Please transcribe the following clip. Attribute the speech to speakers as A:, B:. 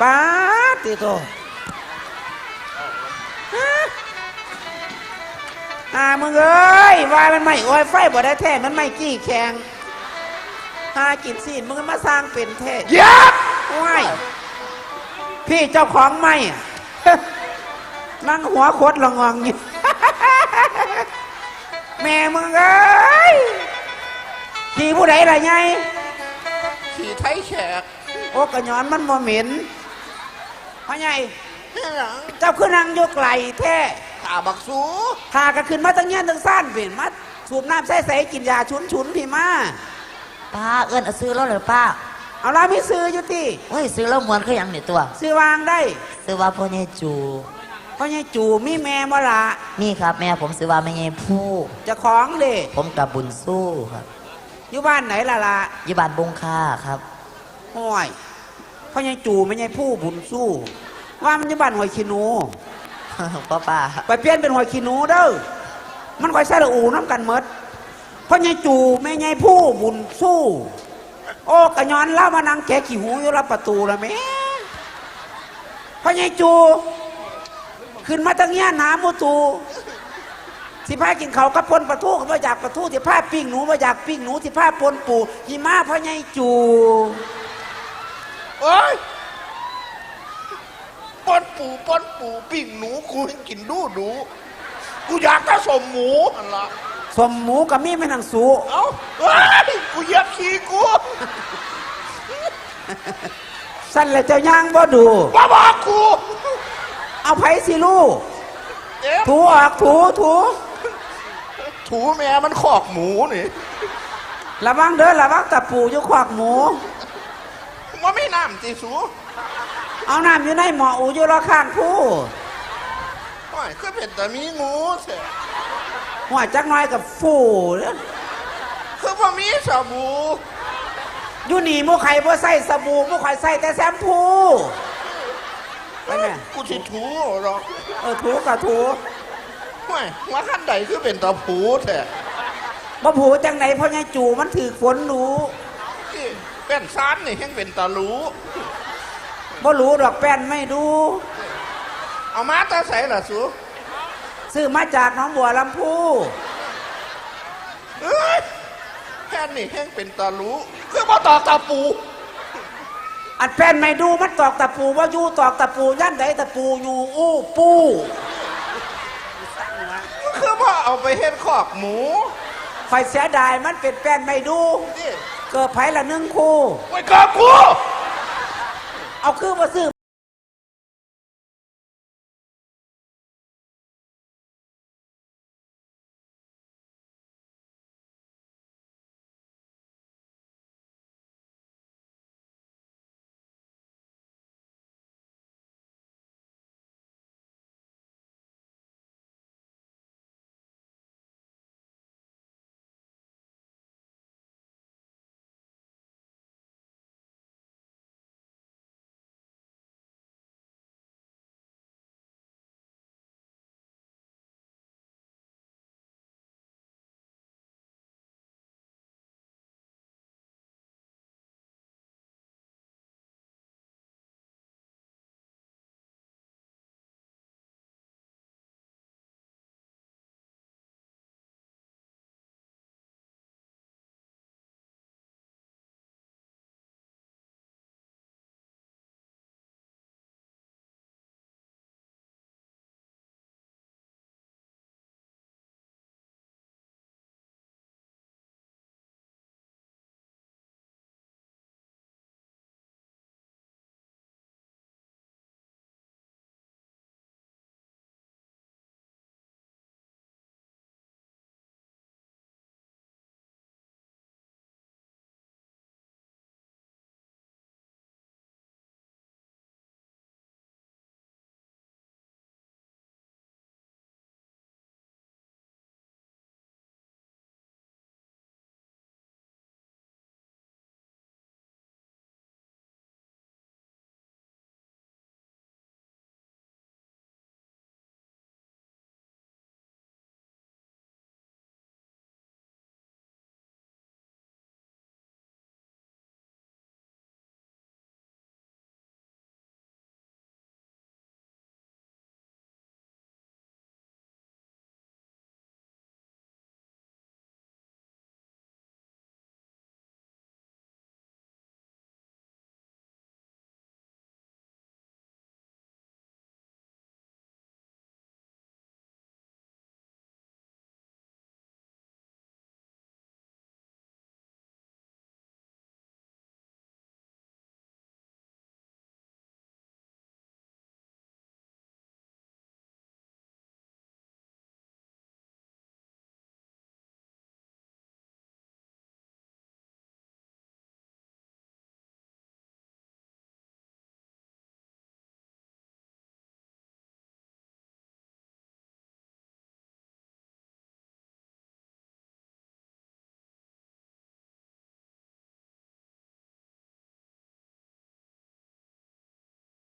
A: ป้าติโตมึงเอ้ยว่ามันไม่โอ้ยไฟบ่ได้แท้มันไม่กี้แข็งกินซีนมึงมาสร้างเป็นแท้
B: ยับ
A: ว้ายพี่เจ้าของไม่นั่งหัวโคตรละงองอยู่ แม่มึงเอ้ยขี่ผู้ใดล่ะไง
B: ขี่ไทยแขก
A: โอ้กระยอนมันบ่เหม็นพ่อใหญ่
B: นี่หลัง
A: เจ้าขึ้นนั่งยกไหลแท้
B: ตาบักสู
A: หากันขึ้นมาตั้งเงี้ยตั้งซ่านเป็นมาสูบน้ำใส่กินยาชุนพี่มา
C: ป้าเอิ้นซื้อแล้วเหรอป้า
A: เอาละไม่ซื้ออยู่ที่
C: เฮ้ยซื้อแล้วมวนคือยังเนี่ยตัว
A: ซื้อวางได้
C: ซื้อว่าพ่อใหญ่จู
A: พ่อใหญ่จูมีแม่บ่ละ
C: นี่ครับแม่ผมซื้อว่าแม่ใหญ่ผู้
A: จะของเด้
C: ผมกับบุญสู้ครับ
A: อยู่บ้านไหนล่ะ
C: อยู่บ้านบงค่าครับ
A: ห้อยพ่อใหญ่จูแม่ใหญ่ผู้บุญสู้ว่ามันอยู่บ้านหอยขี้หนู
C: ป้า
A: ไปเปลี่ยนเป็นหอยขี้หนูเด้อมันคอยใส่ละอูน้ำกันเมดพ่อใหญ่จูแม่ใหญ่ผู้บุญสู้โอ้กระยอนเล่ามานั่งแกะขี้หูอยู่รับประตูละแม่พ่อใหญ่จูขึ้นมาตั้งเงี้ยน้ำมูตูสิพากินเขากับปนปลาทูก็มาอยากปลาทูสิพาปิ้งหนูมาอยากปิ้งหนูสิพาปนปูหิมะพ่อใหญ่จู
B: โอ้ยปนปูปิ้งหนูกูกินดูกูอยากจะสมหมูอันละ
A: สมหมูกับมีไม่นังสู
B: เอ้าเฮ้ยกูเหยียบขี้กู
A: สั้นเลยเจ้าย่างบ่ดู
B: ว่าบอกกู
A: เอาไผ่สิลูกถูออกถู
B: แม่มันขอกหมูนี่
A: ระวังเด้อระวังตะปูอยู่ขอกหมู
B: ว่าไม่น้ำตีสู
A: เอาน้ำอยู่ในหม้ออูอยู่รอข้างผู้
B: โอ้ยคือเป็นแต่มีงูเสีย
A: หัวจักน้อยกับฟู
B: คือว่ามีสบู่
A: อยู่นี่มูไข่บ่ใส่สบู่มูไข่ใส่แต่แชมพูไปแม่
B: กูสิถูหรอก
A: ถูกับถู
B: ไม่ว่าขั้นใดคือเป็นตะผูแท้
A: บ่ผูจังไหนเพราะไงจู่มันถือฝนรู้
B: เป็นซานนี่ยังเป็นตะรู้
A: บ่รู้ดอกแป้นไม่ดู
B: เอามาตาใส่ล่ะสู
A: ซื้อมาจากหนองบัวลำพู
B: แค่นี่ยังเป็นตะรู้คือมาตอกตะปู
A: อัดแป้นไม่ดูมันตอกตะปูว่าอยู่ตอกตะปูย่านใดตะปูอยู่อู้ปู
B: คือว่าเอาไปเฮ็ดขอกหมู
A: ไฟเสียดายมันเป็นแป้นไม่ดูเกิดไผ่ละ1 คู่
B: ไว้กับกู
A: เอาคือมาซื้อ